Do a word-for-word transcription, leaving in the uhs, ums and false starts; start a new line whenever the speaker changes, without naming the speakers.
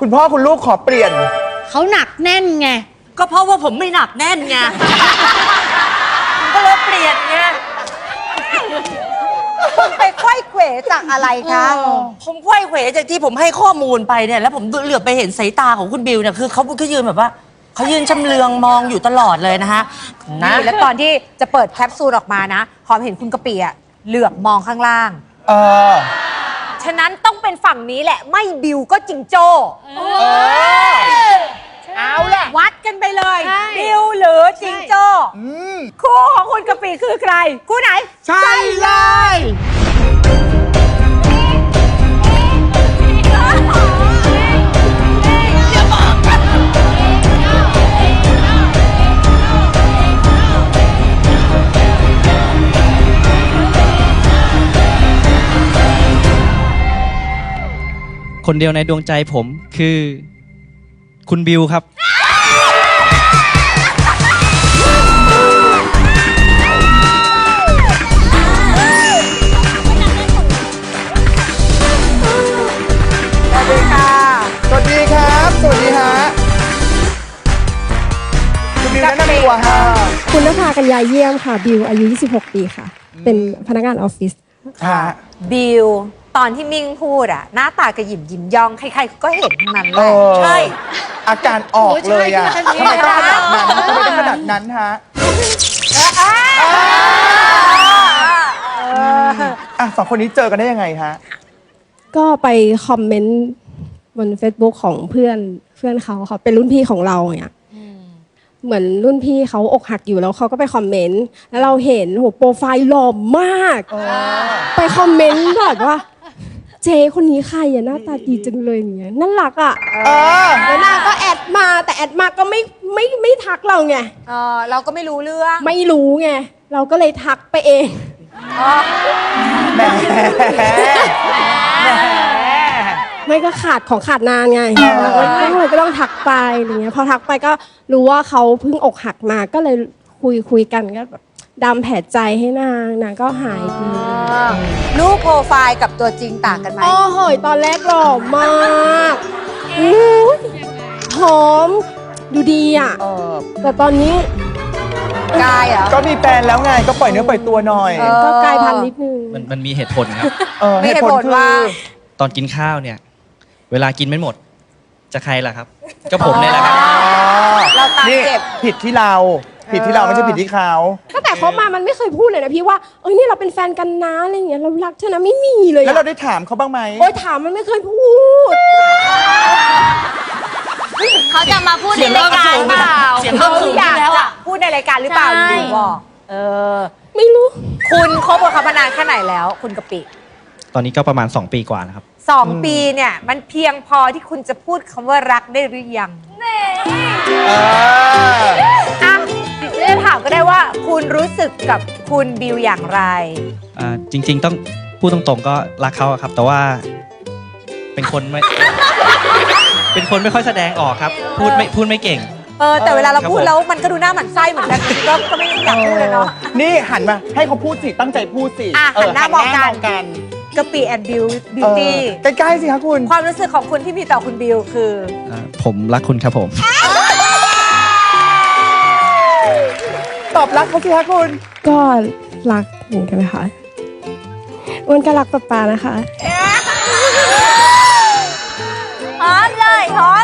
คุณพ่อคุณลูกขอเปลี่ยน
เขาหนักแน่นไง
ก็เพราะว่าผมไม่หนักแน่นไงก็เลยเปลี่ยนไง
คุณไปไขว้เขวจากอะไรคะ
ผมไขว้เขวจากที่ผมให้ข้อมูลไปเนี่ยแล้วผมเหลือบไปเห็นสายตาของคุณบิวเนี่ยคือเขาเขายืนแบบว่าเขายืนชำเลืองมองอยู่ตลอดเลยนะฮะ
นี่แล้วตอนที่จะเปิดแคปซูลออกมานะหอมเห็นคุณกะปิอะเหลือบมองข้างล่าง
เออ
ฉะนั้นต้องเป็นฝั่งนี้แหละไม่บิวก็จิงโจ้เอาแหละวัดกันไปเลยบิวหรือจิงโจ้คู่ของคุณกะปิคือใครคู่ไหน
ใช่เลย
คนเดียวในดวงใจผมคือคุณบิวครับ
สวัสดีค่ะสวัสดีครับสวัสดีฮะคุณบิวแนะนำตัวฮะ
คุณนภากัญญาเยี่ยมค่ะบิวอายุยี่สิบหกปีค่ะเป็นพนักงานออฟฟิศ
บิวตอนที่มิ่งพูดอะหน้าตากระหยิมยิ้มย่องใครๆก็เห็นทั้งนั้นแหละ
ใช่อาการออกเลยอะทำไมต้องขนาดนั้นทำไมต้องขนาดนั้นฮะอ่ะสองคนนี้เจอกันได้ยังไงฮะ
ก็ไปคอมเมนต์บน Facebook ของเพื่อนเพื่อนเขาเขาเป็นรุ่นพี่ของเราเนี่ยเหมือนรุ่นพี่เขาอกหักอยู่แล้วเขาก็ไปคอมเมนต์แล้วเราเห็นโหโปรไฟล์หล่อมากไปคอมเมนต์แบบว่าเจ๊คนนี้ใครอะหน้าตาดีจังเลยอย่างเงี้ยน่ารักอะแล้วนางก็แอดมาแต่แอดมาก็ไม่ไม่ไม่ทักเราไง
เออเราก็ไม่รู้เรื่อง
ไม่รู้ไงเราก็เลยทักไปเอง
แหม
ไม่ก็ขาดของขาดนานไงเราก็เลยก็ต้องทักไปอะไรเงี้ยพอทักไปก็รู้ว่าเขาเพิ่งอกหักมาก็เลยคุยคุยกันก็แบบดำแผลใจให้นางนางก็หายดี
รูปโปรไฟล์กับตัวจริงต่างกันไหม
โอ้โหตอนแรกหล่อมากหอมดูดีอ่ะแต่ตอนนี้
กายอ่ะ
ก็มีแฟนแล้วไงก็ปล่อยเนื้อปล่อยตัวหน่อย
ก็กายพันธุ์นิดนึง
มันมันมีเหตุผลครับ
เหตุผลว่า
ตอนกินข้าวเนี่ยเวลากินไม่หมดจะใครล่ะครับก็ผมเนี่ยแหละครับ
เราตามเก็บ
ผิดที่เราผิดที่เราไม่ใช่ผิดที่เขา
ตั้งแต่เขามามันไม่เคยพูดเลยนะพี่ว่าเอ้ยนี่เราเป็นแฟนกันนะอะไรอย่างเงี้ยเรารักเธอนะไม่มีเลย
แล้วเราได้ถามเขาบ้างไหม
โอ้ยถามมันไม่เคยพูด
เขาจะมาพูดในรายการเปล่า
เขาอยากจะพูดในรายการหรือเปล่าหรือบอกเออ
ไม่รู้
คุณคบกับเขามานานแค่ไหนแล้วคุณกะปิ
ตอนนี้ก็ประมาณสองปีกว่านะครับ
สองปีเนี่ยมันเพียงพอที่คุณจะพูดคำว่ารักได้หรือยังอ่ะจะถามก็ได้ว่าคุณรู้สึกกับคุณบิวอย่างไร
อ่าจริงๆต้องพูดตรงๆก็รักเขาครับแต่ว่าเป็นคนไม่ เป็นคนไม่ค่อยแสดงออกครับพูดไม่พูดไม่เก่ง
เออแต่เวลาเราพูดแล้วมันก็ดูหน้าหมั่นไส้เหมือนกันก็ก็ไม่อยากพูดเลยเนาะ
นี่หันมาให้เขาพูดสิตั้งใจพูดสิ
อ่ะหันหน้ามองกันกะปิแอนด์บิวบิวตี้
ใกล้ๆสิคะคุณ
ความรู้สึกของคุณที่มีต่อคุณบิวคือ
ผมรักคุณครับผม
ตอบรักเขาสิคะคุณ
ก็รักเหมือนกันนะคะอ้วนก็รักป๊าป๊านะคะ
หอมเลยหอม